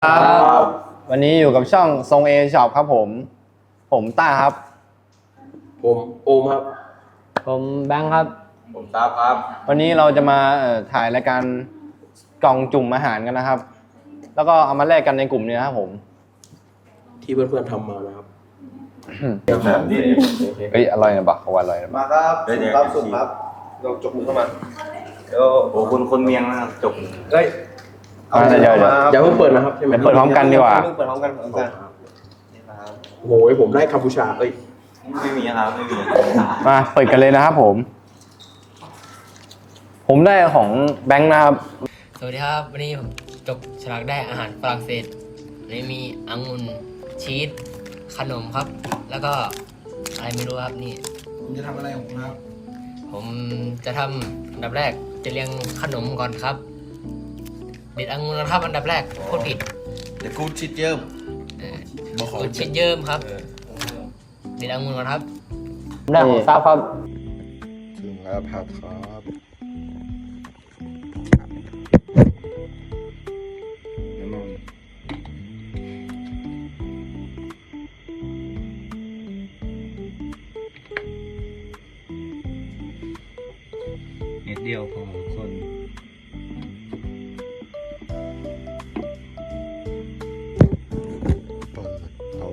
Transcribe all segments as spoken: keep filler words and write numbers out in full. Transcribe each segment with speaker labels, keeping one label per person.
Speaker 1: ครับวันนี้อยู่กับช่องทรงเอช็อปครับผมผมต้าครับ
Speaker 2: ผมโอมครับ
Speaker 3: ผมแบงค์ครับ
Speaker 2: ผมตาครับ
Speaker 1: วันนี้เราจะมาถ่ายรายการกล่องจุ่มอาหารกันนะครับแล้วก็เอามาแลกกันในกลุ่มนี้นะครับผม
Speaker 2: ที่เพื่อนๆทำมานะครับ
Speaker 1: เฮ้ยอร่อยนะบักเขาว่าอร่อยนะบัก
Speaker 4: มาครับสุ่มครับสุ่มครับลองจกมือเข้ามาเดี๋ยว
Speaker 5: โอ้คนคนเมียงนะครับจบ
Speaker 4: เฮ้ย
Speaker 1: เอาเดี๋ยวเดี๋ยว
Speaker 2: อย่าเพิ่งเปิดนะครับใช่ไหม
Speaker 1: เปิดพร้อมกันดีกว่า
Speaker 4: เปิดพร้อมกันเปิดพร้อมกันนี่ครับ
Speaker 2: โอ้ยผมได้กัมพูชาเอ้ย
Speaker 5: ไม่มีครับไม่มี
Speaker 1: มาเปิดกันเลยนะครับผมผมได้ของแบงค์นะครับ
Speaker 3: สวัสดีครับวันนี้ผมจบฉลากได้อาหารฝรั่งเศสวันนี้มีองุ่นชีสขนมครับ แล้วก็อะไรไม่รู้ครับนี่
Speaker 4: ผมจะทำอะไรของคุณครับ
Speaker 3: ผมจะทำอันดับแรกจะเรียงขนมก่อนครับเด็ดองุ่นก่อนครับอันดับแรกพูดผิด
Speaker 4: เดี๋ยวกูชิดเยิ้ม
Speaker 3: เออ
Speaker 4: บอกขอ
Speaker 3: กุชิดเยิ้มครับเด็ดองุ่นก่อนครับ
Speaker 1: ได้ของซับครับ
Speaker 4: ถึงแล้วผัดครับน้ำมัน
Speaker 5: เม็ดเดียวพอทุกคน
Speaker 4: เปิดเอา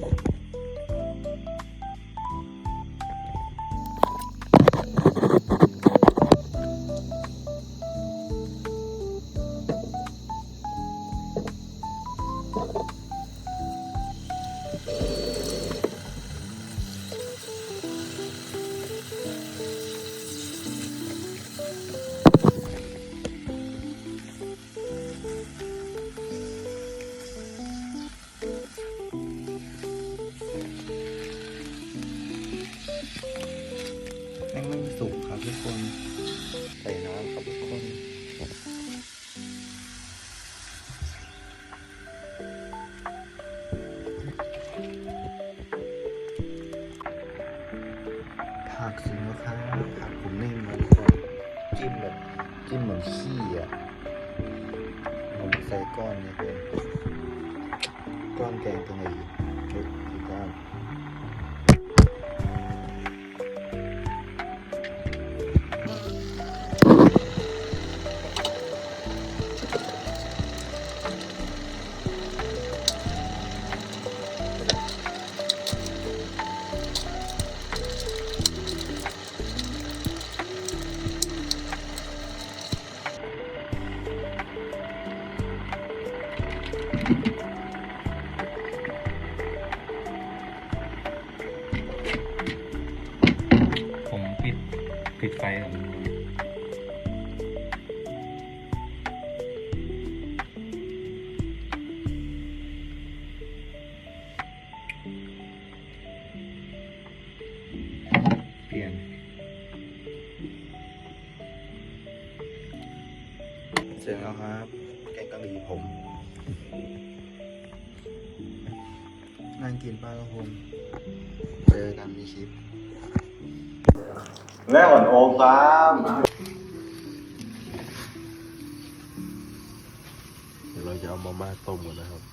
Speaker 4: แป้งไม่สุกครับทุกคนใส่น้ำครับทุกคนผักสินะครับผักผมนึ่งมาทุกคนจิ้มแบบจิ้มเหมือนขี้อ่ะผมใส่ก้อนเนี่ยเป็นก้อนแกงตรงไหนชุดที่ก้อน
Speaker 5: ผมปิดปิดไฟก่อนเปลี่ยน
Speaker 4: เสร็จแล้วครับ แกงกะหรี่ผมนั่งกินปลากระพงเจอกันมีคลิป
Speaker 5: แม่ก่อนโอมครับ
Speaker 2: เดี๋ยวเราจะเอามาม่าต้มกันนะครับ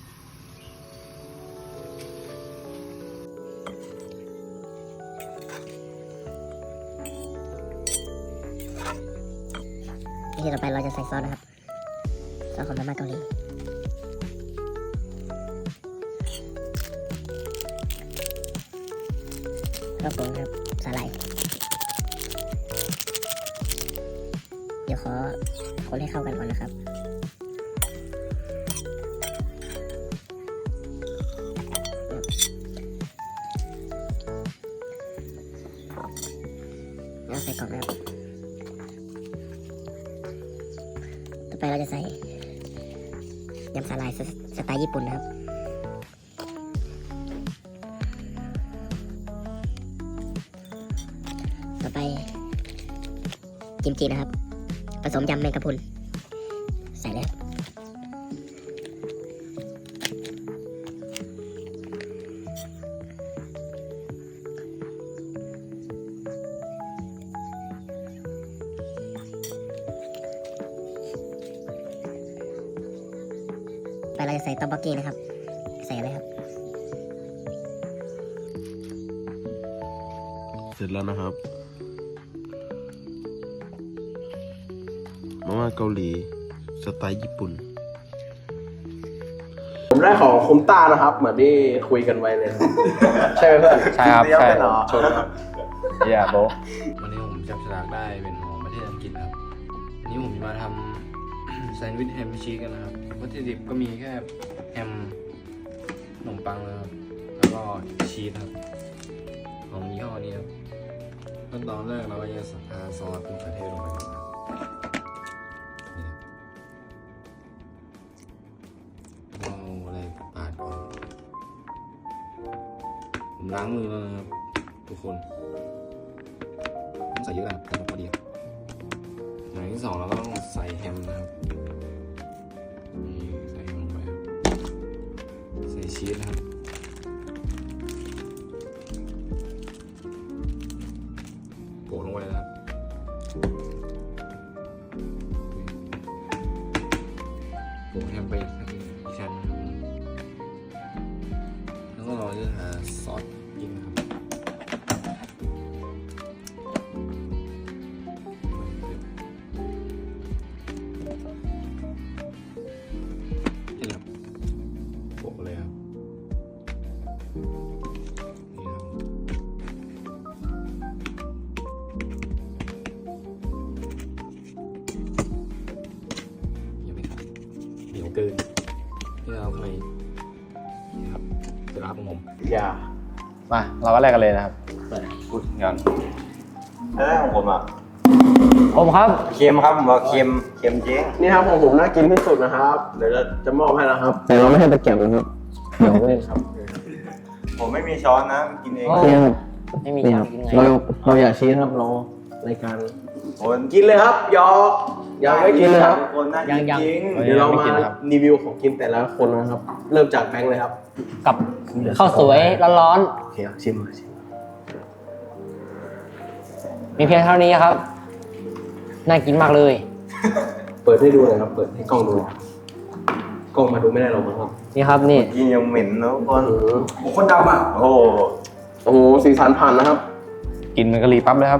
Speaker 6: วิธีต่อไปเราจะใส่ซอสนะครับ ซอสของมาม่าเกาหลีแล้วก็ครับสาหร่ายเดี๋ยวขอคนให้เข้ากันก่อนนะครับแล้วใส่กล่องนะครับต่อไปเราจะใส่ยำสาหร่ายสไตล์ญี่ปุ่นนะครับ ต่อไปกิมจินะครับ ผสมยำแมงกะพรุนใส่เลยครับไปเราจะใส่ต๊อกบกกี้นะครับ ใส่อะไรครับ
Speaker 2: เสร็จแล้วนะครับมาม่าเกาหลีสไตล์ญี่ปุ่น ผมได้ของคุณต้านะครับ เหมือนที่คุยกันไว้เลย ใช่ไหมเพื่อน
Speaker 1: ใช่ครับใช่
Speaker 2: ชนครับ
Speaker 1: เยี่ยโบะ
Speaker 7: วันนี้ผมจับฉลากได้เป็นของประเทศอังกฤษครับวันนี้ผมจะมาทำ แซนด์วิชแฮมชีสกันนะครับวัตถุดิบก็มีแค่แฮมขนมปังนะครับ แล้วก็ชีสครับ ของยี่ห้อนี้ครับขั้นตอนแรกเราก็จะทาซอสมะเขือเทศลงไปก่อนนะครับนี่ครับเอาอะไรปาดก่อนผมล้างมือแล้วนะครับทุกคนต้องใส่เยอะนะครับแต่พอดีครับอย่างที่สองเราก็ต้องใส่แฮมนะครับนี่ใส่แฮมลงไปครับใส่ชีสนะครับโปะลงไปนะครับโปะแฮมไปอีกชั้นนะครับแล้วก็เราจะหาซอสกินครับนี่ครับโปะเลยครับนี่ครับยังไม่ขาดเหนียวเกินนี่เราทำไมนี่ครับจะรับของผม
Speaker 2: อย่า
Speaker 1: มาเราก็แลกกันเลยนะครับพูดกัน
Speaker 4: แล้วของผมอ่ะ
Speaker 1: ผมครับ
Speaker 4: เค็มครับผมว่าเค็มเค็มจริง
Speaker 2: นี่ครับของผมน่ากินที่สุดนะครับ เดี๋ยวจะจะมอบให้นะครับ แต่เราไม่ให้ตะเกียบนะครับ เดี๋ยวไม่ครับ
Speaker 4: ผมไม่มีช้อนนะกินเอง
Speaker 2: นี่ครับ
Speaker 3: ไม่มี
Speaker 2: นี่
Speaker 3: ทา
Speaker 2: ค
Speaker 3: ง
Speaker 2: รับ
Speaker 3: กินไง
Speaker 2: เราเราอยากชี้ครับเรารายการ
Speaker 4: คน
Speaker 2: กินเลยครับยอกยังไม่กินเลยครับ
Speaker 4: คนน่ากินจริง
Speaker 2: เดี๋ยวเรามารีวิวของกินแต่ละคนนะครับ เริ่มจากแบงค์เลยครับ
Speaker 3: กับข้าวสวยร้อน
Speaker 2: โอเคครับชิมมาชิม
Speaker 3: ๆ มีเพียงเท่านี้ครับ น่ากินมากเลย
Speaker 2: เปิดให้ดูหน่อยครับ เปิดให้กล้องดูหน่อยกล้องมาดูไม่ได้หรอกมั้งครับ
Speaker 3: นี่ครับนี่
Speaker 4: กินยังเหม็นนะทุกคน
Speaker 2: อืมโอ้คนดำอ่ะ
Speaker 4: โอ้โห
Speaker 2: โอ้โหสีสันผ่านนะครับ
Speaker 1: กินมันกะหรี่ปั๊บเลยครับ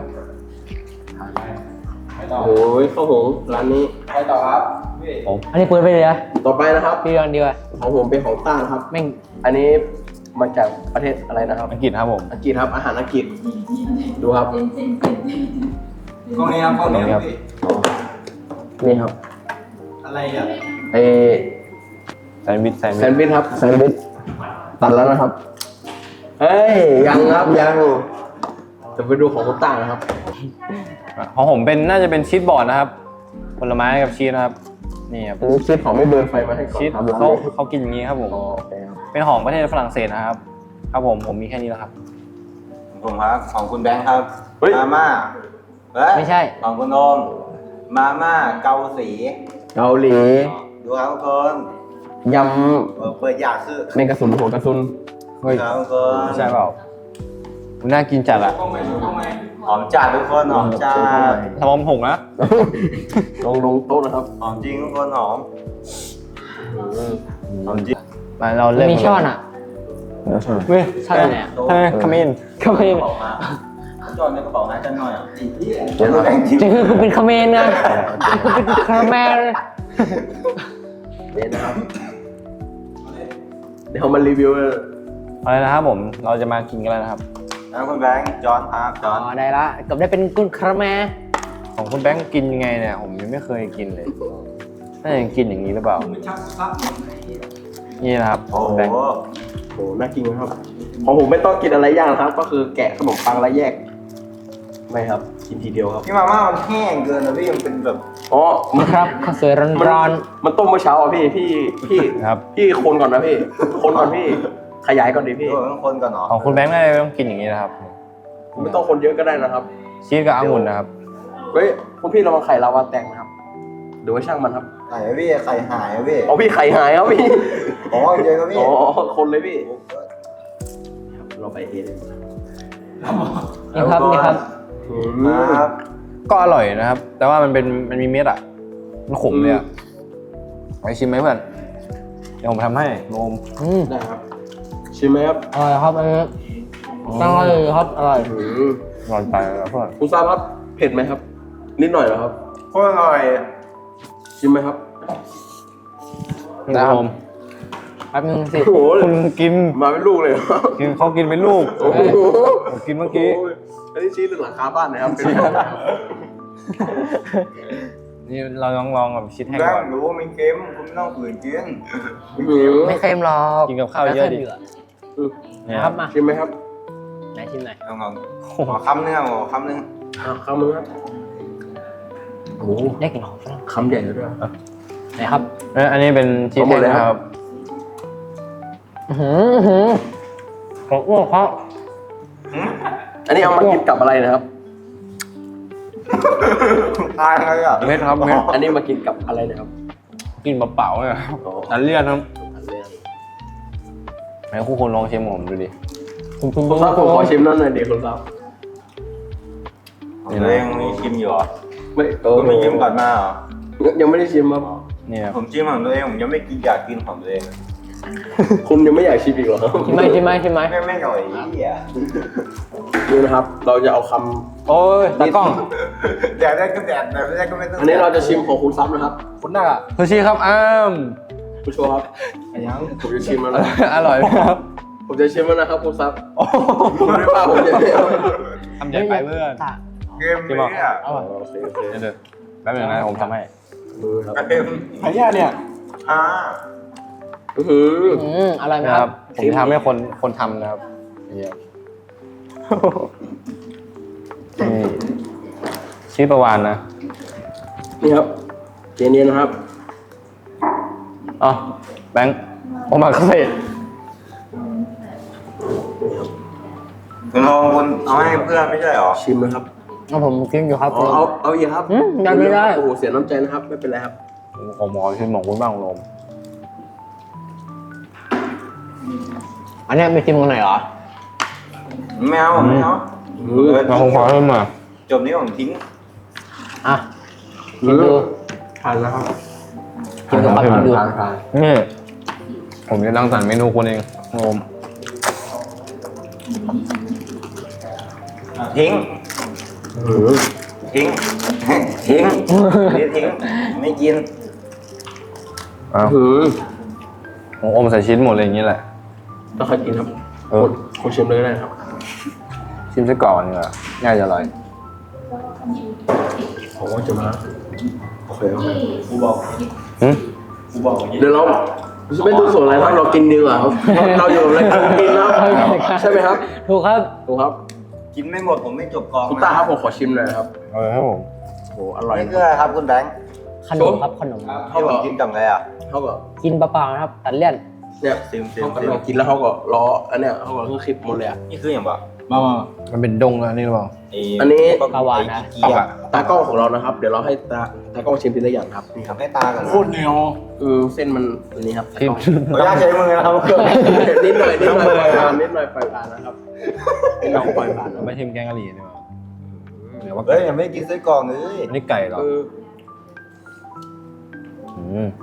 Speaker 2: โอ้ยข้าวหงร้านนี้
Speaker 1: ผม
Speaker 3: อันนี้เปิดไปเลยนะ
Speaker 2: ต่อไปนะครับ
Speaker 3: พี่เดือนดีกว่า
Speaker 2: ของผมเป็นของต้านะครับ
Speaker 3: แม่ง
Speaker 2: อันนี้มาจากประเทศอะไรนะครับ
Speaker 1: อังกฤษครับผม
Speaker 2: อังกฤษครับอาหารอังกฤษดูครับ
Speaker 4: กล้องนี้ครับกล้องนี้
Speaker 1: ครับ
Speaker 2: นี่ครับ
Speaker 4: อะไรอ่ะ
Speaker 2: เอ
Speaker 1: แซนด์วิชแซนด์
Speaker 2: แซ
Speaker 1: วิช
Speaker 2: นด์วิชครับแซนด์วิชตัดแล้วนะครับเฮ้ยยังครับยังจะไปดูของคุณต้านะครับ
Speaker 1: ของผมเป็นน่าจะเป็นชีสบอร์ดนะครับ ผลไม้กับชีสนะครับ นี่ครับ
Speaker 2: อันนี้ชีสของไม่เบิร์นไฟมาให้ก่อน
Speaker 1: ชีส
Speaker 2: ครับ
Speaker 1: เขาเขากินอย่างนี้ครับผม
Speaker 2: อ๋อโอเคครับ
Speaker 1: เป็นของประเทศฝรั่งเศสนะครับ ครับผมผมมีแค่นี้แล้วครับ
Speaker 4: ผมครับของคุณแบงค์ครับมาม่าเฮ้ย
Speaker 3: ไม่ใช่
Speaker 4: ของคุณโอมมาม่าเกาสี
Speaker 2: เกาหลี
Speaker 4: ดูครับทุกคน
Speaker 2: ย
Speaker 4: เออเปิดอยากคือ
Speaker 2: ำเมงกระสุนหัวกระสุน
Speaker 1: เฮ้ย
Speaker 4: ครับทุกคน
Speaker 1: ไม่ใช่เปล่ามันน่ากินจัดอะ
Speaker 4: หอมจัดทุกคนหอมจัด
Speaker 1: สมองผงนะ
Speaker 2: ลงลงโต๊ะนะครับ
Speaker 4: หอมจริงทุกคนหอมหอมจริง
Speaker 1: มาเราเริ่ม
Speaker 3: มีช้อนอ่ะ
Speaker 2: แล้วใช่ไหม
Speaker 1: เว้ย
Speaker 3: ช้อนไหนอ่ะ
Speaker 1: ทำไมคามิน
Speaker 3: คาเมน
Speaker 4: บอกมาจอดในกระเป๋าหาจันหน่อยอ่ะ
Speaker 2: เดี๋ยวเรา
Speaker 4: แบงค์ทิป
Speaker 3: จะคือคุณเป็นคาเมนนะคุณเป็นคาราเมล
Speaker 2: เนี่ยนะครับ เดี๋ยวมารีวิว
Speaker 1: อะไรนะครับผมเราจะมากินกันแล้วนะครับ
Speaker 4: แล้วคุณแบงค์จอนครับจ
Speaker 3: อ๋
Speaker 4: อ
Speaker 3: อน ได้ละเกับได้เป็นกุนคาราเมล
Speaker 1: ของคุณแบงค์กินยังไงเนี่ยผมยังไม่เคยกินเลยน่าจะกินอย่างนี้หรือเปล่านี่นะครับ
Speaker 4: โอ้
Speaker 1: คุณ
Speaker 4: โห
Speaker 1: แบงค์
Speaker 2: โหน่ากินนะครับ ของผมไม่ต้องกินอะไรยากนะครับ ก็คือแกะขนมปังแล้วแยก ไม่ครับ กินทีเดียวครับ
Speaker 4: พี่มาม่ามันแห้งเกินนะพี่มันเป็นแบบ
Speaker 2: อ๋อมัน
Speaker 3: ครับข้าวสวยร้อน
Speaker 2: มันต้มเมื่อเช้าอ่ะพี่ พี่ พี่
Speaker 1: ครับ
Speaker 2: พี่คนก่อนนะพี่ คนก่อนพี่ ขยายก่อนดิพี่
Speaker 4: พี่ต้องคนก่อนเนาะ
Speaker 1: ของคุณแบงค์น่าจะต้องกินอย่างนี้นะครับ
Speaker 2: ไม่ต้องคนเยอะก็ได้นะครับ
Speaker 1: ชีสกับองุ่นนะครับ
Speaker 2: เฮ้ย คุณพี่ระวังไข่ลาวาแตกนะครับดูไว้ช่างมันครับ
Speaker 4: ไข่พี่ไข่หายอะพี่
Speaker 2: อ๋อพี่ไข่หายครับพี่
Speaker 4: อ๋อเจอครับพี่
Speaker 2: อ๋อ คนเลยพี่ เราไปเอง
Speaker 3: ๆนี่ครับนี่ครับ
Speaker 4: ครับ
Speaker 1: ก็อร่อยนะครับ แต่ว่ามันเป็นมันมีเม็ดอ่ะมันขมเลยอ่ะไปชิมไหมเพื่อนเดี๋ยวผมทำให้โนม
Speaker 3: อืม
Speaker 2: ได้ครับ ชิมไหมครับ
Speaker 3: อร่อยครับอันนี้ตั้งอร่อยครับอร่อย
Speaker 2: อืม
Speaker 1: นอนไปแล้วเพื่อน
Speaker 2: คุณทราบครับ เผ็ดไหมครับ นิดหน่อยเหรอครับ
Speaker 1: โคตรอร่อย
Speaker 2: ชิมไหมครับ
Speaker 1: นะผม
Speaker 3: แป๊บนึงสิ
Speaker 2: โอ้โห
Speaker 1: คุณกิน
Speaker 2: มาเป็นลูกเลยเหรอ
Speaker 1: กินเขากินเป็นลูก
Speaker 2: โอ้โห
Speaker 1: ผมกินเมื่อกี้
Speaker 2: โยอันนี้ชี้ถึงหลังคาบ้านนะครับเป็น
Speaker 1: นี่เราลองลองแบบชิดให้
Speaker 8: ได้
Speaker 1: ก่อน
Speaker 8: รู้ว่ามันเค็มคุณไม่ต้องฝืนกิน
Speaker 3: ไม่เค็มหรอก
Speaker 1: กินกับข้าวเยอะดิ
Speaker 3: นะ ครับมา
Speaker 2: ชิมไหมครับ
Speaker 3: ไหนชิมหน่อย
Speaker 8: ลองลองขอคำนึงอ่ะขอคำนึง
Speaker 2: อ่ะคำนึงครับโอ้โห
Speaker 3: ได้กลิ่นหอมฝรั่ง
Speaker 2: คำใหญ่เลยด้วย
Speaker 3: ไหนครับ
Speaker 1: เอ้ยอันนี้เป็นชีส
Speaker 2: เอาหม
Speaker 1: แห้
Speaker 2: ด
Speaker 1: ง
Speaker 2: เลย
Speaker 1: นะ
Speaker 2: ค
Speaker 1: ค
Speaker 2: รั
Speaker 1: รับ บหืมหืมของอ้วกเขา
Speaker 2: อันนี้เอามากินกับอะไรนะครับ
Speaker 8: ตายอะไรอ่ะ
Speaker 1: เม็ดครับเม็ด
Speaker 2: อันนี้มากินกับอะไรนะครับ
Speaker 1: กินเปล่าๆเนี่ยครับอันเลี่ยนครับไหนคู่คนลองชิมผมดูดิ
Speaker 3: คุณคุณ
Speaker 2: คุณทราบผมขอชิมนั่นหน่อยเดี๋ยวคุณทราบ
Speaker 8: ตัวเองมีชิมอยู่เหรอ
Speaker 2: ไม่เออ
Speaker 8: ก็ไม่ชิมก่อนมาเหรอ
Speaker 2: ยังไม่ได้ชิมครับ
Speaker 1: เนี่ยครับ
Speaker 8: ผมชิมของตัวเองผมยังไม่กินอยากกินของตัวเอง
Speaker 2: คุณยังไม่อยากชิมอีกเหรอ
Speaker 3: ชิมไหมชิมไหมชิมไหม
Speaker 8: ไม่ไม่อร่อยอีอ่ะ
Speaker 2: นี่นะครับ เราจะเอาค
Speaker 1: โอ้ยตากล้อง
Speaker 8: แดดได้ก็แดดแดดไม่ได้ก็ไม่ต้อง
Speaker 2: ำอันนี้เราจะชิมของคุณซับนะครับ
Speaker 1: คุณหน้าซูชิครับอ้าม
Speaker 2: คุณโชว์ครับยังผมจะชิมแล้วนะ
Speaker 1: อร่อยไหมครับ
Speaker 2: ผมจะชิมแล้วนะครับคุณซับ
Speaker 1: โอ้โห
Speaker 2: ผมไม่ได้ว่าผมจะไม่เอา
Speaker 1: ทำใหญ่ไปเพื่อน
Speaker 8: เค็มเลยอ่ะ
Speaker 2: โอเคโอเค
Speaker 1: เดี๋ยวเดี๋ยวแป๊บนึงนะผมทำให้
Speaker 2: มือครับ
Speaker 8: เค็ม
Speaker 1: อันนี้เนี่ย
Speaker 8: อ่า
Speaker 2: อื้อหือ
Speaker 3: อืมอร่อยไหม
Speaker 1: นะ
Speaker 3: ค
Speaker 1: ค
Speaker 3: รั
Speaker 1: รับ บ ผมทำให้คนคนทำนะครับนี่ครับนี่ชื่อประวานนะ
Speaker 2: นี่ครับเจเนียนะครับ
Speaker 1: อ๋อแบงค์โอมาเกษตร
Speaker 8: คุณลองคุณเอาให้เพื่อนไม่ใช่เหรอ
Speaker 2: ชิมนะครับ
Speaker 3: เอาผมกินอยู่ครับ
Speaker 2: อ๋อเอาเอาอีกครับ
Speaker 3: อืมได้ไม่ได้
Speaker 2: โอ้โหเสียน้ำใจนะครับ ไม่เป็นไรครับ
Speaker 1: ผมขอชิมของคุณบ้างลม
Speaker 3: อันเนี้ยไม่ชิมกันไหนอยเหรอ
Speaker 8: ไม่เอาไม่เอาเออ
Speaker 1: มาผมขอเพิ่มมา
Speaker 8: จบนี้ผมทิ้ง
Speaker 3: อ่ะชิมดู
Speaker 2: ทานแล้วครับ
Speaker 3: ชิมดูครับชิมดู
Speaker 2: ทานทาน
Speaker 1: นี่ผมจะรังสรรค์เมนูคุณเองลม
Speaker 8: ทิ้ง
Speaker 2: อื้อ
Speaker 8: ทิ้ง ทิ้งนี่ทิ้ง ไม่กิน
Speaker 1: อ้าว
Speaker 2: หือ
Speaker 1: ผมอมใส่ชิ้นหมดเลยอย่างนี้แหละ
Speaker 2: ต้องใครกินครับ
Speaker 1: เออ
Speaker 2: คนคนชิมเลยก็ได้ครับ
Speaker 1: ชิมซะก่อนดีกว่าน่าจะอร่อย
Speaker 2: ผมว่าจะมาโอเคโอเค
Speaker 8: กูบอก
Speaker 1: หืม
Speaker 8: กูบอก
Speaker 2: เดี๋ยวเราไม่ดูส่วนอะไรครับเรากินดีกว่าครับเราอยู่ในการกินแล้วใช่ไหมครับ
Speaker 3: ถูกครับ
Speaker 2: ถูกครับ
Speaker 8: กินไม่หมดผมไม่จบกอง
Speaker 2: คุณตาครับผมขอชิมหน่อยครับ
Speaker 1: เออครับผม
Speaker 2: โอ้โหอร่อย
Speaker 8: นี่คืออะไรครับคุณแบงค์
Speaker 3: ขนมครับขนม
Speaker 8: ให้ผมกินกับอะไรอ่ะ
Speaker 2: เขาก็
Speaker 3: กินเปล่าๆนะครับตัดเลี่ยน
Speaker 2: เนี่ย
Speaker 8: ซิมซิม
Speaker 2: เขาก็
Speaker 8: ซิม
Speaker 2: ลองกินแล้วเขาก็ล้ออันเนี้ยเขาก็เพิ่งคลิปหมดเลยอะ
Speaker 8: นี่คืออย่างแบบ
Speaker 1: มามามันเป็นดงแล้วนี่หรือเปล่า
Speaker 2: อันนี้
Speaker 3: ปลาวาฬนะ
Speaker 8: เกียร์
Speaker 2: ตากล้องของเรานะครับ เดี๋ยวเราให้ตาตากล้องชิมทีละอย่างครับนี่ครับ
Speaker 8: ให้ตากัน
Speaker 1: โคตรเหนียว
Speaker 2: คือเส้นมันอันนี้ครับ
Speaker 1: ชิม
Speaker 8: ขออนุญาตใช้มือนะครับ
Speaker 2: นิดหน่อยนิดหน่อยปล่อยผ่านนิดหน่อยปล่อยผ่านนะครับนิดหน่อยปล่อยผ่านนะ
Speaker 1: ไม่ชิมแกงกะหรี่ดีกว่าเดี๋ยวว่า
Speaker 8: เฮ้ยยังไม่กินไส้กรอกเลย
Speaker 1: อันนี้ไก่เหรอ
Speaker 2: เออ
Speaker 1: อืม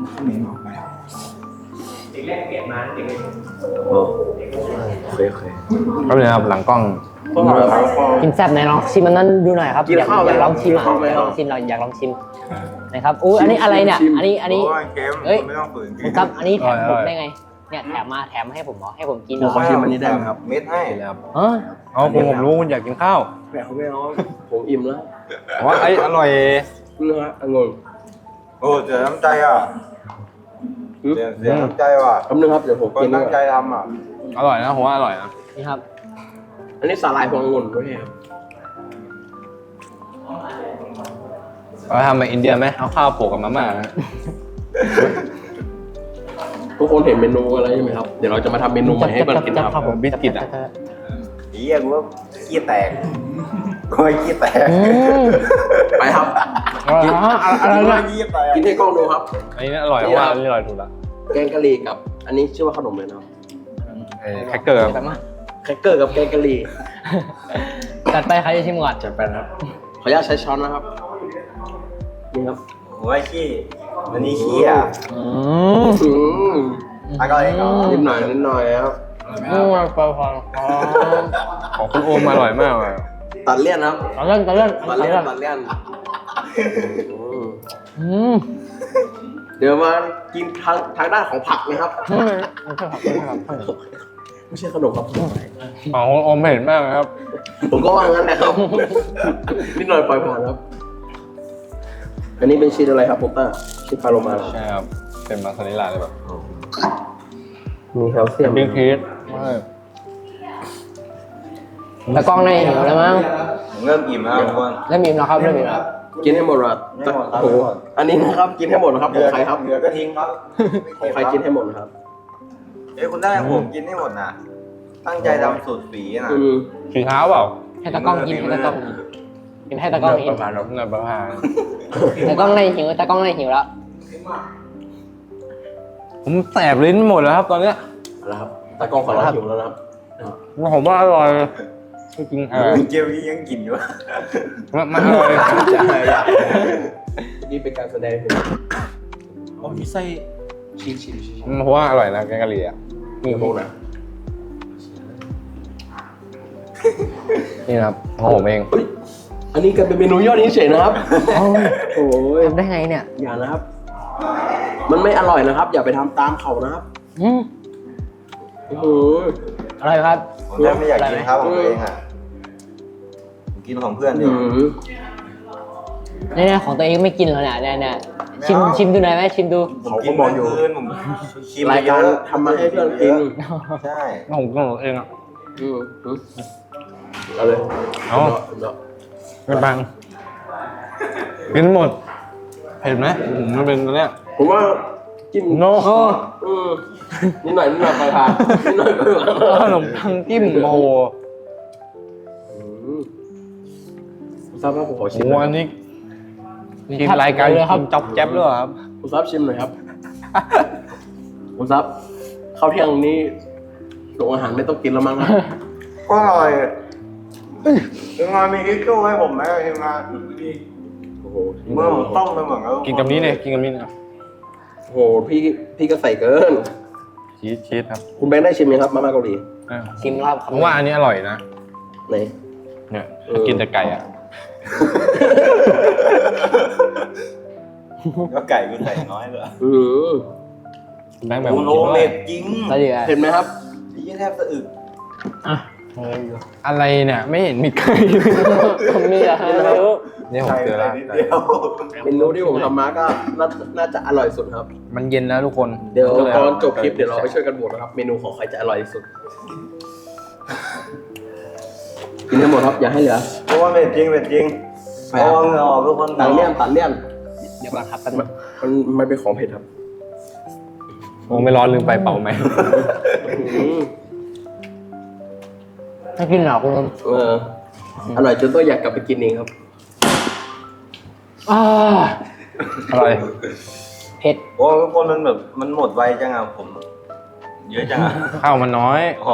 Speaker 2: โอเคโอเค
Speaker 1: ก็เลยครับหลังกล้อง
Speaker 2: ก็มาครับ
Speaker 3: กินแซ่บไหนลองชิมอันนั้นดูหน่อยครับ
Speaker 2: กิน
Speaker 3: อยาก
Speaker 2: ข้าวไหม
Speaker 3: อยากลองชิมอ่ะ
Speaker 2: กินข้าวไหม
Speaker 3: อยากลองชิมเราอยากลองชิมนะครับอู้อันนี้อะไรเนี่ย
Speaker 2: ชิม
Speaker 3: อันนี้อันนี้
Speaker 8: โอ้ยเค็ม
Speaker 3: เอ้ย
Speaker 8: ไม่ต้องฝืนกิ
Speaker 3: คุณ
Speaker 8: น
Speaker 3: ครับอันนี้แถม
Speaker 1: อ
Speaker 3: ผ
Speaker 1: ร่
Speaker 3: ม
Speaker 1: อย
Speaker 3: ได้ไงเนี่ยแถมมาแถมมาให้ผมเหรอให้ผมกินเห
Speaker 2: ผ
Speaker 3: ร
Speaker 2: ม
Speaker 3: อ
Speaker 2: ขอชิมอันนี้ได้ไหมครับ
Speaker 8: เม็ดให้
Speaker 1: เลยครับ
Speaker 3: เออ
Speaker 1: เอาคุณผมรู้คุณอยากกินข้าว
Speaker 2: ไม่เอาไม่เอาผมอิ่มแล้ว
Speaker 1: ผมว่าไอ้อร่อย
Speaker 2: เนื้อองุ่น
Speaker 8: โอ้เสียน้ำใจอ่ะเสียเสียน้ำใจว่ะ
Speaker 2: คำนึงครับเดี๋ยวผม
Speaker 8: คน
Speaker 2: กิน
Speaker 8: ตั้งใจ
Speaker 2: ด้วย
Speaker 8: ทำอ่ะ
Speaker 1: อร่อยนะผมว่าอร่อยนะ
Speaker 3: นี่ครับ
Speaker 2: อันนี้สาหร่ายพวงองุ่นด้วยครับ
Speaker 1: เราทำแบบอินเดียไหมเอาข้าวโปะกับมาม่านะ
Speaker 2: ทุกคนเห็นเมนูอะไรใช่ไหมครับเดี๋ยวเราจะมาทำเมนูใหม่ให้มันกินครับ
Speaker 1: บิสกิตอ่ะ
Speaker 8: เฮียกูว่าขี้แตกกูว่าขี้แตก
Speaker 3: อืม
Speaker 2: ไปครับ
Speaker 1: อะไรนะอะไร
Speaker 8: กูว่า
Speaker 1: นะ
Speaker 8: ขี้แตก
Speaker 2: กินให้กล้องดูครับ
Speaker 1: อันนี้อร่อยเพราะว่าอันนี้อร่อยถูกละ
Speaker 2: แกงกะหรี่กับ อันนี้ชื่อว่าขนมเลยนะครับ
Speaker 1: เอ้ยแคคเกอร์ครับ
Speaker 3: จัดมา
Speaker 2: แครกเกอร์กับแกงกะหรี่
Speaker 3: จัดไปใครจะชิมก่อน
Speaker 2: จัดไปนะครับ ขออนุญาตใช้ช้อนนะครับ นี่ครับ
Speaker 8: กูว่าขี้วันนี้ขี้อ่ะ
Speaker 3: อืม
Speaker 2: อืม
Speaker 3: อ
Speaker 8: อ่ะก็เองเหรอ
Speaker 2: นิดหน่อยนิดหน่อยครับ
Speaker 1: อืมพอพอของคุณโอมอร่อยมากเลย
Speaker 2: ตัดเลี่ยนครับ
Speaker 1: ตอนเล่นตอนเล่น
Speaker 2: ตัดเลี่ยนตัดเลี่ยนอืม
Speaker 1: อืม
Speaker 2: เดี๋ยวมากินทางทางด้านของผักนะครับ
Speaker 1: ไม่ใช่ผักไม่ใช่ผัก
Speaker 2: ไม่ใช่ขนมครับ
Speaker 1: อ๋อโอมเห็นมากเลยครับ
Speaker 2: ผมก็ว่างั้นนะครับ นิดหน่อยปล่อยผ่านครับ อันนี้เป็นชีสอะไรครับผมต้าชีสพาโลมาเหรอ
Speaker 1: ใช่ครับเป็นมาซาเรลล่าเลยแบบ
Speaker 2: มีแคลเซียม
Speaker 1: บิ๊กพีช
Speaker 3: ตะกล้องในหิวแล้วมั้ง
Speaker 8: ผมเริ่มอิ่มแล้วทุกคน
Speaker 3: เริ่มอิ่มแล้วครับเริ่มอิ่มแล้ว
Speaker 2: กินให้หมดครับ
Speaker 8: ไม่หมดครับ
Speaker 2: โอ้โหอันนี้นะครับ กินให้หมดนะครับของใครครับ
Speaker 8: เหลือก็ทิ้งครับ
Speaker 2: ของใครกินให้หมดนะครับ
Speaker 8: เอ้ยคุณได้ผมกินให้หมดนะตั้งใจทำสูตรฝีนะ
Speaker 2: อืม
Speaker 1: สีเท้าเปล่า
Speaker 3: ให้ตะกล้องกินให้ตะกล้องกินกินให้ตะกล้องกิน
Speaker 1: ประมาณนั้นนะประมาณ
Speaker 3: ตะกล้องในหิวตะกล้องในหิวแล้ว
Speaker 1: ผมแสบลิ้นหมดแล้วครับตอนเนี้ย
Speaker 2: เอาละครับตากล้องขอรับหิวแล้วนะครับ
Speaker 1: ผมว่าอร่อยจริงๆอร่อย
Speaker 8: เกมนี้ยังกินอยู่
Speaker 1: มันมันอร่อย
Speaker 2: นี่เป็นการแสดงถึงอ๋อมีไส้ชีสชีสชีส
Speaker 1: เพราะว่าอร่อยนะแกงกะหรี่อ่ะ
Speaker 2: นี่พวกนะ
Speaker 1: นี่นะครับของผมเอง
Speaker 2: เฮ้ยอันนี้กันเป็นเมนูยอดนิยมเฉยนะครับ โอ้ย
Speaker 3: ทำได้ไงเนี่ย
Speaker 2: อย่านะครับ มันไม่อร่อยนะครับ อย่าไปทำตามเขานะครับ
Speaker 3: อืม
Speaker 2: โอ้โห
Speaker 3: อร่อยครับ
Speaker 8: ผมแทบไม่อยากกินครับของตัวเองอ่ะผมกินของเพื่อนดิ
Speaker 2: อืม
Speaker 3: เนี่ยๆของตัวเองไม่กินแล้วเนี่ยเนี่ยเนี่ยชิมชิมดูหน่อยไหมชิมดู
Speaker 8: ผมกินบอกอยู่คืนผมชิม
Speaker 2: รายการ
Speaker 8: เยอะ
Speaker 2: ทำมาให้เพื่อนกิน
Speaker 8: ใช่
Speaker 1: ผมก็เองอ่ะ
Speaker 2: อืมอืมเอาเลย
Speaker 1: เอา
Speaker 2: เนาะ
Speaker 1: เป็นบังกินหมดเห็นไหมผมมันเป็นตัวเนี้ย
Speaker 2: ผมว่าจิ้ม
Speaker 1: โน่
Speaker 2: อืมนิดหน่อยนิดหน่อยไปผ่านนิดหน่อยไปผ่าน
Speaker 1: ขนมปังจิ้มโอ้โห
Speaker 2: อืมคุณทราบว่าผมขอ
Speaker 1: โอ้
Speaker 2: ชิม
Speaker 1: โห
Speaker 2: หน่อย
Speaker 1: อันนี้ทีมรายการ
Speaker 3: เลยครับ
Speaker 1: กินจ๊อบแจ๊บด้วยเหรอครับ
Speaker 2: คุณทราบชิมหน่อยครับคุณทราบข้าวเที่ยงนี้โรงอาหารไม่ต้องกินแล้วมั้งครับ
Speaker 8: ก็อร่อยทีมงานมีทิชชู่ให้ผมไหมทีมงาน
Speaker 2: โอ้โห
Speaker 8: เมื่อผมต้องไปหมดแล้ว
Speaker 1: กินกับนี้เนี่ยกินกับนี้นะ
Speaker 2: โอ้โหพี่พี่ก็ใส่เกิน
Speaker 1: ชีสชีสครับ
Speaker 2: คุณแบงค์ได้ชิมไหมครับมาม่าเกาหลี
Speaker 1: อ่ะ
Speaker 3: ชิมครับ
Speaker 1: ผมว่าอันนี้อร่อยนะ
Speaker 2: ไหน
Speaker 1: เนี่ย
Speaker 2: เออ
Speaker 1: กินแต่ไก่อ่ะ
Speaker 8: ก็ไก่กูใส่น้อยเลย
Speaker 2: อืม
Speaker 1: แบงค์แบบ
Speaker 8: กูโลเมดจริง
Speaker 3: แล้วเดี๋ยว
Speaker 2: เห็นไหมครับ
Speaker 8: ยี่แทบสะอึก
Speaker 1: อะไรเนี่ยไม่เห็นมีไก่
Speaker 3: ผมมีอะไม่รู้
Speaker 1: เนี่ยผมเจอแล้ว
Speaker 8: นิดเดียว
Speaker 2: เมนูที่ผมทำมาก็น่าน่าจะอร่อยสุดครับ
Speaker 1: มันเย็นแล้วทุกคน
Speaker 2: เดี๋ยว
Speaker 1: ก็ล
Speaker 2: ตอนจบคลิปเดี๋ยวเราไปช่วยกันโหวตนะครับ เมนูของใครจะอร่อยที่สุด กินให้หมดครับ อย่าให้เหลือ
Speaker 8: เพราะว่าเม็ดจริงเม็ดจริงเพราะว่าเหงื่อออกทุกคน
Speaker 2: ตัดเลี่ยนตัดเลี่ยน
Speaker 3: เดี๋ยวก่อนครับ
Speaker 2: มันมันมันเป็นของเผ็ดครับ
Speaker 1: โอ้ไม่ร้อนลืมไปเป่าไหม
Speaker 2: อืม
Speaker 3: ไม่กินหรอกคุณ
Speaker 2: เอออร่อยจนต้องอยากกลับไปกินเองครับ
Speaker 3: อ่า
Speaker 1: อร่อย
Speaker 3: เผ็ด
Speaker 8: โอ้ทุกคนมันแบบมันหมดไวจังอ่ะผม เยอะจังอ่ะ
Speaker 1: ข้าวมันน้อย
Speaker 8: อ๋อ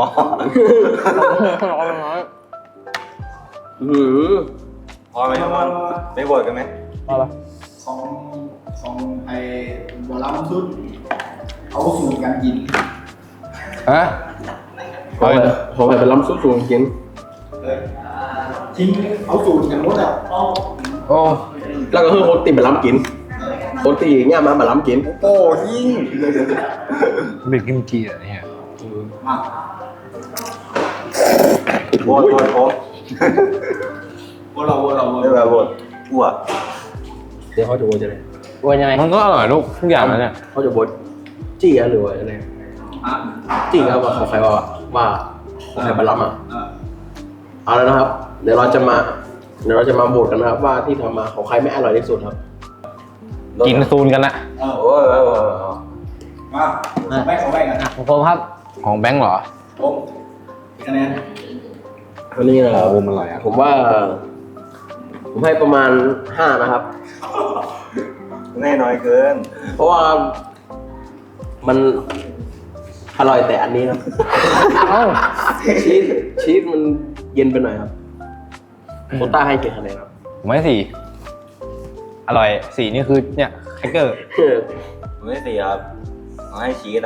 Speaker 2: อืม
Speaker 8: พอไหมทุกคนไม่บ่นกันไหม
Speaker 3: มาปะ
Speaker 9: ของของไอ้บอลลัมซุดเอาสูตรการกิน
Speaker 1: ฮะ
Speaker 2: ขอแบบขอแบบเป็นล้ำซุปสูงกิน
Speaker 9: ทิ้งเอาสูตรกันหมดอ่ะ
Speaker 1: โอ้
Speaker 2: แล้วก็คือคนตีแบบล้ำกิน คนตีอย่างเงี้ยมาแบบล้ำกิน
Speaker 8: โอ้ยิ่ง
Speaker 1: เบกกิมจิอะไรเนี่ย
Speaker 8: บ่นบ่นผม
Speaker 9: พวกเราพวกเรา
Speaker 8: ไม่แบบบ่นอ้วก
Speaker 2: เดี๋ยวเขาจะโวยจะอะไร
Speaker 3: วนยังไง
Speaker 1: มันก็อร่อยลูกทุกอย่างนะเนี่ย
Speaker 2: เขาจะโวยจี้อะหรือว่าอะไรจี้ครับว่าของใครว่าว่าของใครมาล้ำอ่ะเอาแล้วนะครับ เดี๋ยวเราจะมา เดี๋ยวเราจะมาโหวตกันนะครับ ว่าที่ทำมาของใครไม่อร่อยที่สุดครับ
Speaker 1: กินซูนกันนะ
Speaker 9: เออ
Speaker 8: โอ้ยโอ้ยโอ้ย
Speaker 9: มาของแบงค์ของแบงค์อ่ะ
Speaker 3: ของผมครับ
Speaker 1: ของแบงค์เหรอ
Speaker 9: ผมคะแนน
Speaker 2: วันนี้นะค
Speaker 1: อ๋
Speaker 2: รั
Speaker 1: อบ วงมันอร่อยอ่ะ
Speaker 2: ผมว่า ผมให้ประมาณห้านะครับ
Speaker 8: แน่น้อยเกิน
Speaker 2: เพราะว่ามันอร่อยแต่อันนี้ครับ
Speaker 3: เอ้า
Speaker 2: ชีสชีสมันเย็นไปหน่อยครับโคต้าให้กี่คะแนนครับ
Speaker 1: ผมให้สี่อร่อยสี่นี่คือเนี่ยแครกเกอร์
Speaker 8: ผมไม่ตีครับเอาให้ชีสอ่ะชีส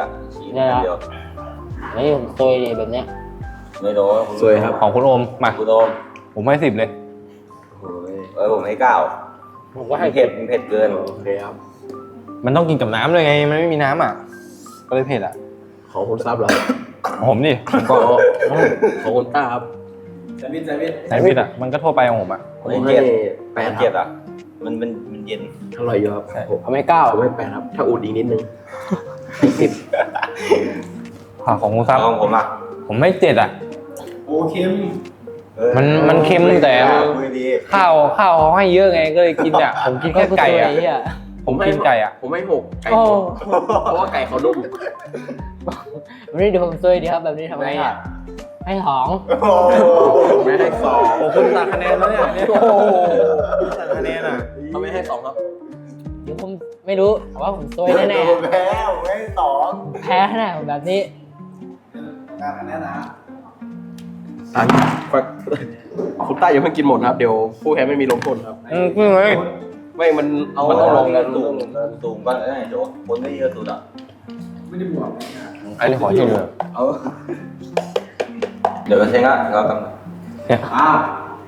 Speaker 3: ได้แล้ว
Speaker 8: เดียว
Speaker 3: นี่ผมซวยเลยแบบเนี้ย
Speaker 8: ไม่โดน
Speaker 2: สวยครับ
Speaker 1: ของคุณโอมมา
Speaker 8: กูโดน
Speaker 1: ผมให้สิบเลย
Speaker 2: โอ้ย
Speaker 8: เออผมให้เก้า
Speaker 1: ผมก็ให้
Speaker 8: เผ็ดมันเผ็ดเกิน
Speaker 2: โอเคครับ
Speaker 1: มันต้องกินกับน้ำเลยไง มันไม่มีน้ำอ่ะ ก็เลยเผ็ดอ่ะ
Speaker 2: ของคุณซับเหรอ
Speaker 1: ของผมดิผมก็
Speaker 2: ของคุณต้าครับ
Speaker 9: แซนด์วิชแซนด์วิช
Speaker 1: ไหนพิดอ่ะ มันก็ทั่วไปของผมอ่ะ
Speaker 2: ผมให้แปด
Speaker 8: มัน
Speaker 2: ค
Speaker 8: เจ็
Speaker 2: รั
Speaker 8: บบ อ่ะมันมันมันเย็น
Speaker 2: อร่อยอยู่ครับผม
Speaker 3: เอาไม่เก้า
Speaker 2: ผมให้แปดครับ ถ้าอุดอีกนิดนึงให้สิบ
Speaker 1: ผักของคุณซับ
Speaker 8: ของผมอ่ะ
Speaker 1: ผมให้เจ็ดอ่ะ
Speaker 9: โอเค็ม
Speaker 8: เออ
Speaker 1: มันมันเค็มแต่
Speaker 8: คุยดี
Speaker 1: ข้าวข้าวเขาให้เยอะไง ก็เลยกินอ่ะ ผมกินแค่ไก่อ่ะ
Speaker 3: ซวยอ่ะ
Speaker 1: ผมกินไก่อ่ะ
Speaker 2: ผมให้หกไก่
Speaker 3: โอ้
Speaker 2: หกเพราะว่าไก่เขานุ่ม
Speaker 3: วันนี้ดูผมซวยดีครับแบบนี้ทำไงอ่ะให้สอง
Speaker 8: โอ้โห
Speaker 2: ผมไม่ให้สอง
Speaker 1: โอ้คุณตัดคะแนนแล้วเนี่ยเนี่ยโอ้โหตัดคะแนนอ่ะ
Speaker 2: เขาไม่ให้สองครับ
Speaker 3: เดี๋ยวผมไม่รู้แต่ว่าผมซวยแน่
Speaker 8: ผมแพ้ผมให้สอง
Speaker 3: ๆแพ้แน่ผมแบบนี้
Speaker 9: การอันนี้นะ
Speaker 2: อันคุณต้าอย่าเพิ่งกินหมดนะครับ เดี๋ยวผู้แพ้ไม่มีลงโทษครับ
Speaker 1: อืมคือไง
Speaker 2: ไม่มัน
Speaker 8: เอา
Speaker 2: มันต้องลง
Speaker 8: เงิ
Speaker 2: กัน
Speaker 8: นสูงเงินสูงก็ได้โจคนไม่เยอะสุดอ่ะ
Speaker 9: ไม่ได้บวก
Speaker 1: ไอ้นี่ขอชิมเลย
Speaker 8: เอาเดี๋ยวเราเช็คอ่ะเรากำลัง
Speaker 9: อ้าว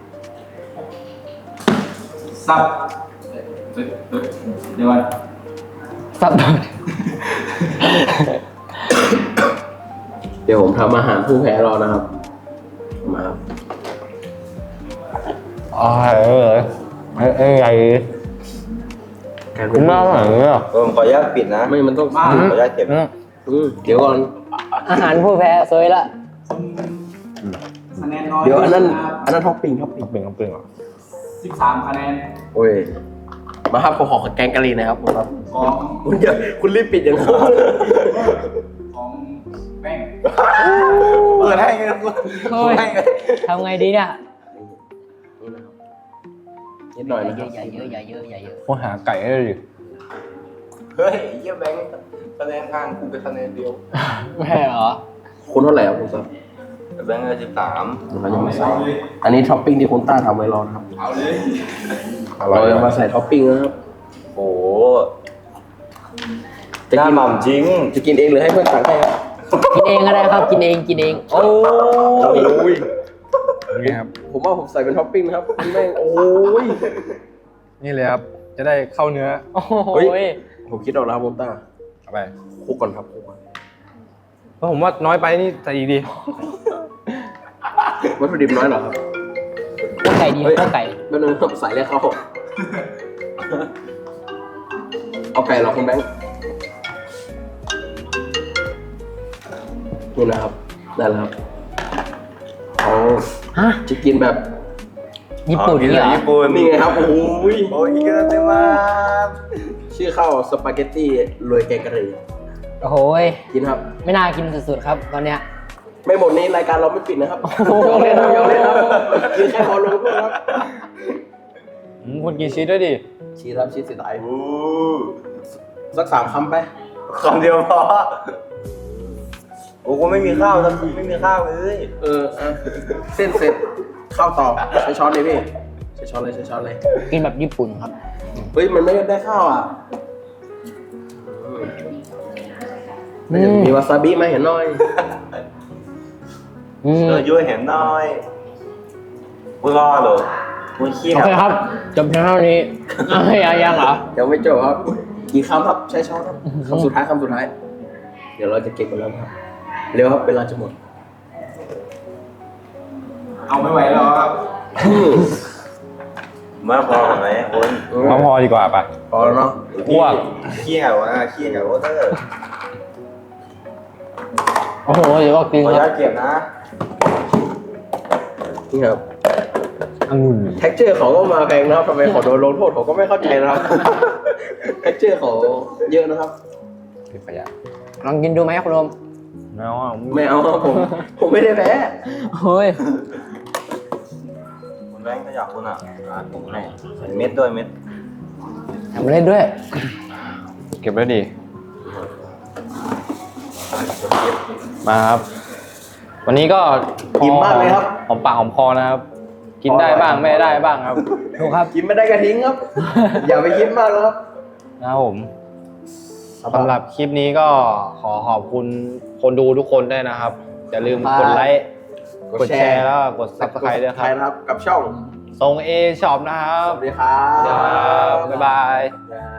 Speaker 9: ซับเฮ้ยเฮ้ยเดี๋ยวก่อน
Speaker 3: สับ
Speaker 2: เดี๋ยวผมทำอาหารผู้แพ้รอนะครับ มาครับ
Speaker 1: อ๋อเออไอ้ไอ้ใหญ่
Speaker 2: การ
Speaker 1: คุณมาหนังเนี่ย
Speaker 8: เออผมขออนุญาตปิดนะ
Speaker 2: ไม่มันต้อง
Speaker 8: ขออนุญาตเก็บ
Speaker 1: อืม
Speaker 2: อืมเดี๋ยวก่อน
Speaker 3: อาหารผู้แพ้ซวยละ
Speaker 9: คะแนนน้อย
Speaker 2: เดี๋ยวอันนั้นอันนั้นท็อปปิ้งท็อปปิ้ง
Speaker 1: ต้องเป็นต้องเป็นเหรอ
Speaker 9: สิบสามคะแนน
Speaker 2: โอ้ย มาครับผมขอแกงกะหรี่นะครับผมครับ
Speaker 9: ของ
Speaker 2: คุณอย่าคุณรีบปิดอย่างนั้น
Speaker 9: ของแป้ง
Speaker 8: เปิดให้ไงคุณ
Speaker 3: เฮ้ยทำไงดีเนี่ย
Speaker 2: นิดหน่อย
Speaker 3: อย่า
Speaker 2: นะค
Speaker 3: เย
Speaker 2: รับ
Speaker 3: อะอย่าเยอะอย่าเยอะอย่าเยอะ
Speaker 1: โคหาไก่ได้เลยดิ
Speaker 8: เฮ้ยเยี่ยแบงค์คะแนนข้างกูเป็นคะแนนเดียว
Speaker 3: ไม่เหรอ
Speaker 2: คุณเท่าไหร่ครับคุณซับ
Speaker 8: แบงค์สิบสาม
Speaker 2: เราจะมาใส่อันนี้ท็อปปิ้งที่คุณต้าทำไว้รอนะครับ
Speaker 9: เอาเลย
Speaker 1: อร่อ
Speaker 2: เรา
Speaker 1: ย
Speaker 2: จะมาใส่ท็อปปิ้งนะครับ
Speaker 8: โอ้หน้าหม่ำจริง
Speaker 2: จะกินเองหรือให้เพื่อนตักให้ครับ
Speaker 3: กินเองก็ได้ครับกินเองกินเองโอ้
Speaker 2: โอ้ย
Speaker 1: นี่ครับ
Speaker 2: ผมว่าผมใส่เป็นท็อปปิ้งนะครับคุณแม่งโอ้ย
Speaker 1: นี่เลยครับ จะได้เข้าเนื้อ
Speaker 3: โอ้โห
Speaker 2: เฮ้ย ผมคิดออกแล้วครับคุณต้า
Speaker 1: เอาไป
Speaker 2: คลุกก่อนครับคลุกก่อน
Speaker 1: เพราะผมว่าน้อยไปนี่ใส่อีกดี
Speaker 2: วัตถุดิบน้อยเหรอครับ
Speaker 3: ข้าวไก่ดีข้าวไก่
Speaker 2: ไม่ต้องครับใส่เลยเข้าเอาไก่เหรอคุณแบงค์นี่นะครับได้แล้วครับเขา
Speaker 3: ฮะ
Speaker 2: จะกินแบบ
Speaker 3: ญี่ปุ่น
Speaker 8: กิน
Speaker 3: นี่
Speaker 8: เล
Speaker 3: เหร
Speaker 8: ย
Speaker 3: อ
Speaker 8: ญี่ปุ่น
Speaker 2: นี่ไงครับโอ้ย
Speaker 8: โอ้ยอีกแล้วเต็มมาก
Speaker 2: ชื่อข้าวสปาเกตตี้โรยแกงกะหรี่
Speaker 3: โอ้โหย
Speaker 2: กินครับ
Speaker 3: ไม่น่ากินสุดๆครับตอนเนี้ย
Speaker 2: ไม่หมดนี้รายการเราไม่ปิดนะครับ
Speaker 3: โอ้โห
Speaker 2: ยอมเล่นครับยอมเล่นครับกินแค่พอลงด้วยครับ
Speaker 1: อืมคุณกินชีสด้วยดิ
Speaker 2: ชีสครับชีสสีตาย
Speaker 8: โอ้
Speaker 2: สักสามคำไป
Speaker 8: คำเดียวพอโอ้กูไม่มีข้าวสักทีไม่มีข้าวเลย
Speaker 2: เอออ่ะเส้นเสร็จข้าวต่อใช้ช้อนเลยพี่ใช้ช้อนเลยใช้ช้อนเลย
Speaker 3: กินแบบญี่ปุ่นครับ
Speaker 2: เฮ้ยมันไม่ได้ข้าวอ่ะ
Speaker 3: อืม
Speaker 2: มีวาซาบิมาเห็นหน่อย
Speaker 3: อืม
Speaker 8: เออยุ่ยเห็นหน่อยกูรอเหรอกูขี้
Speaker 3: โอเคครับจบเพียงเท่านี้อ้าวยังยังเหรอ
Speaker 2: ยังไม่จบครับกี่คำครับใช้ช้อนครับคำสุดท้ายคำสุดท้าย เดี๋ยวเราจะเก็บกันแล้วครับเร็วครับเวลาจะหมด
Speaker 9: เอาไม่ไหวแล้วครับ
Speaker 8: มาพอไหมคุณ
Speaker 1: มาพอดีกว่าปะ
Speaker 2: พอแล้วเนาะ
Speaker 1: อ้วก
Speaker 8: ขี้เหงาอ่ะขี้เหงาเตอร์
Speaker 3: โอ้โหเดี๋ยวก็กิน
Speaker 8: ขออ
Speaker 3: ค
Speaker 8: นุ
Speaker 3: รั
Speaker 8: ญา
Speaker 3: บ
Speaker 8: ตเก็บนะ
Speaker 2: นี่ครับ
Speaker 1: องุ่น
Speaker 2: แท็กเจอร์เขาก็มาแพงนะครับทำไมขอโดนลงโทษผมก็ไม่เข้าใจนะครับ แท็กเจอร์เขาเยอะนะครับ
Speaker 1: เป็นขยะ
Speaker 3: ลองกินดูไหมคุณโรม
Speaker 1: ไม่เอาอ่ะ
Speaker 2: ไม่เอาครับผม ผมไม่ได้แพ้
Speaker 3: เฮ้ย
Speaker 8: คุณแบงค์ถ้าอยากคุณอ่ะอ่ะผมให้เม็ดด้วยเม็ด
Speaker 3: ทำเล่นด้วย
Speaker 1: เก็บไว้ดี มาครับ วันนี้ก็พ
Speaker 2: อิ่มมากเลยครับ
Speaker 1: หอมปากหอมคอนะครับ กินได้บ้างไม่ได้บ้างครับ
Speaker 3: ถูกครับ
Speaker 2: กินไม่ได้กระทิ้งครับ อย่าไปคิดมากนะครับ
Speaker 1: นะครับผมสำหรับคลิปนี้ก็ขอขอบคุณคนดูทุกคนด้วยนะครับอย่าลืมกดไลค์กดแชร์แล้วก็กด ซับสไครบ์ ด้วยครับ
Speaker 2: นะครับ กับช่อง
Speaker 1: ทรงเอช็อปนะครับ
Speaker 2: สวัสดีครับ
Speaker 1: ครับบ๊ายบาย
Speaker 2: ครับ